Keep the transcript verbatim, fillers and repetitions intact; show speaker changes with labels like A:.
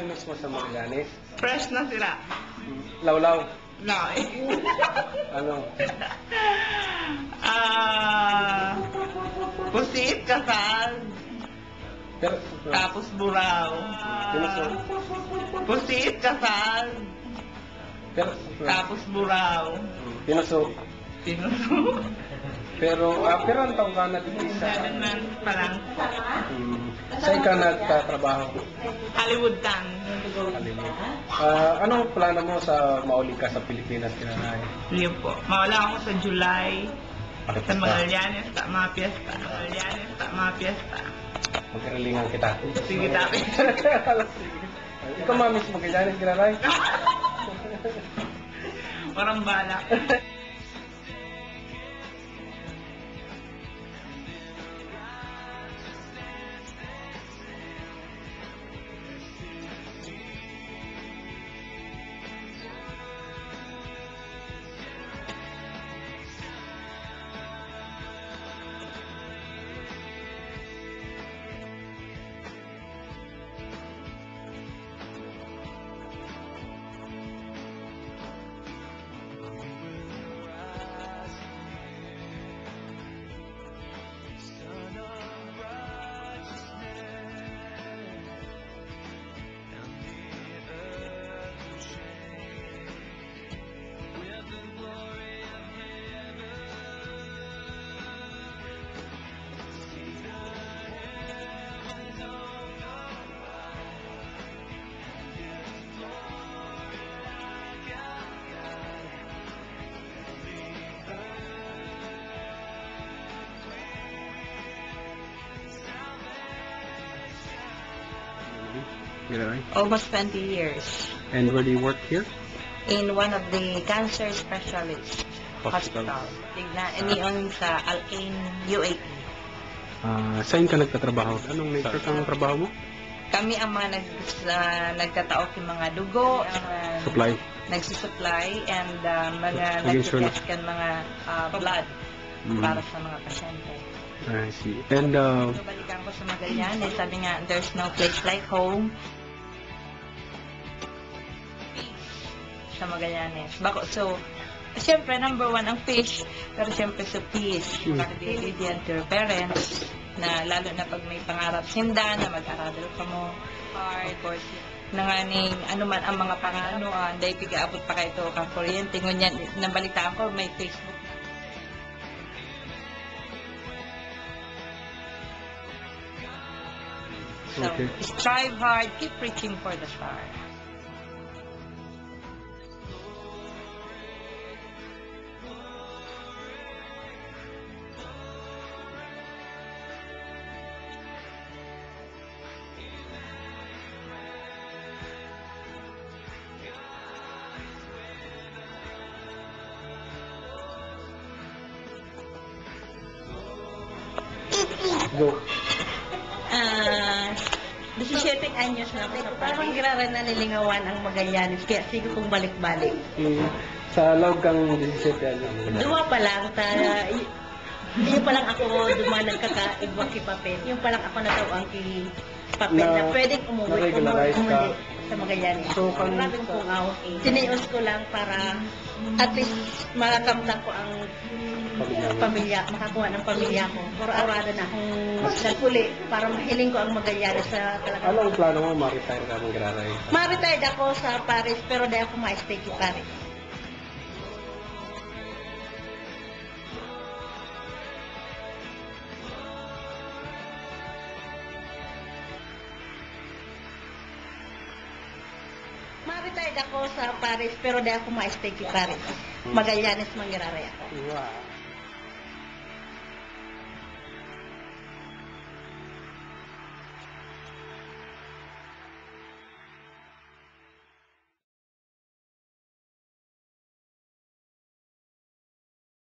A: miss mo sa Magallanes?
B: Fresh na sila.
A: Lawlaw.
B: No.
A: Ano?
B: Ah, pusit, kasal,
A: Pero,
B: tapos buraw.
A: Pinuso.
B: Pusit, kasal,
A: Pero,
B: tapos buraw.
A: Pinuso.
B: Sinuso.
A: Pero, ah, pero ang taong ka na dito sa...
B: Seven months pa lang.
A: Hmm, saan ka nagtatrabaho?
B: Hollywood Tan.
A: Kalimut. Ah, anong plano mo sa mauli ka sa Pilipinas, Kinanay?
B: Yun po. Mawala ako sa July.
A: Bakit
B: Sa
A: pa?
B: Magallanes, sa mga piyesta. Magallanes, sa mga piyesta.
A: Magkaralingan kita.
B: Sige, tapi.
A: Ikaw mamis Magallanes, Kinanay?
B: Parang bala.
A: Kinanay?
C: Almost twenty years
A: And where do you work here?
C: in one of the cancer specialist
A: Hospital.
C: hospital. Tignan, iniyon sa Al-Ain, U A E.
A: Ah, saan ka nagtatrabaho? Anong nature ng trabaho mo?
C: Kami ang mga nag, uh, nagtataok ng mga dugo, ang uh,
A: Supply.
C: nagsusupply, and uh, mga
A: Maging sure na-
C: nagtitest kan mga uh, blood
A: Mm.
C: para sa mga pasyente.
A: I see. And, uh,
C: So, balikan ko sa Magallanes, sabi nga, there's no place like home. Sa Magallanes. Bako, so, siyempre, number one, ang fish, pero siyempre sa peace.
A: Mm.
C: Nakadilidian to your parents, na lalo na pag may pangarap sinda, na mag-aral ka mo, hard, of course, nanganing ano man ang mga pangano, uh, dahil pigaabot pa kayo ito kang kuryente. Ngunyan, nabalitaan ko, may Facebook na. So,
A: Okay.
C: strive hard, keep reaching for the star.
A: go.
C: Ah, disisiete anyos na ako sa parang giraran na nilingawan ang Magallanes, kaya sige kong balik-balik.
A: Mm, sa loob kang disisiete ano?
C: Duma pa lang, ta, y- yun pa lang ako duma nagkakaibwang kipapel. Yung pa lang ako natawang ki papel na,
A: Na-
C: pwedeng umuwi,
A: na-regularize
C: umuwi,
A: ka.
C: umuwi sa Magallanes.
A: So,
C: So,
A: kung-
C: maraming pungaw. Sinius ko lang para at least makakamtan ko ang
A: Pamilya mo.
C: pamilya, makakuha ng pamilya ko. Puro-arado na akong nagpuli para mahiling ko ang Magallanes sa talaga.
A: Ano ang plano mo? Ma-retire ka ng Graray?
C: Ma-retired ako sa Paris, pero dahil ako ma-stay sa Paris. Ma-retired ako sa Paris, pero dahil ako ma-stay sa Paris. Magallanes, mangyararay ako.
A: Wow.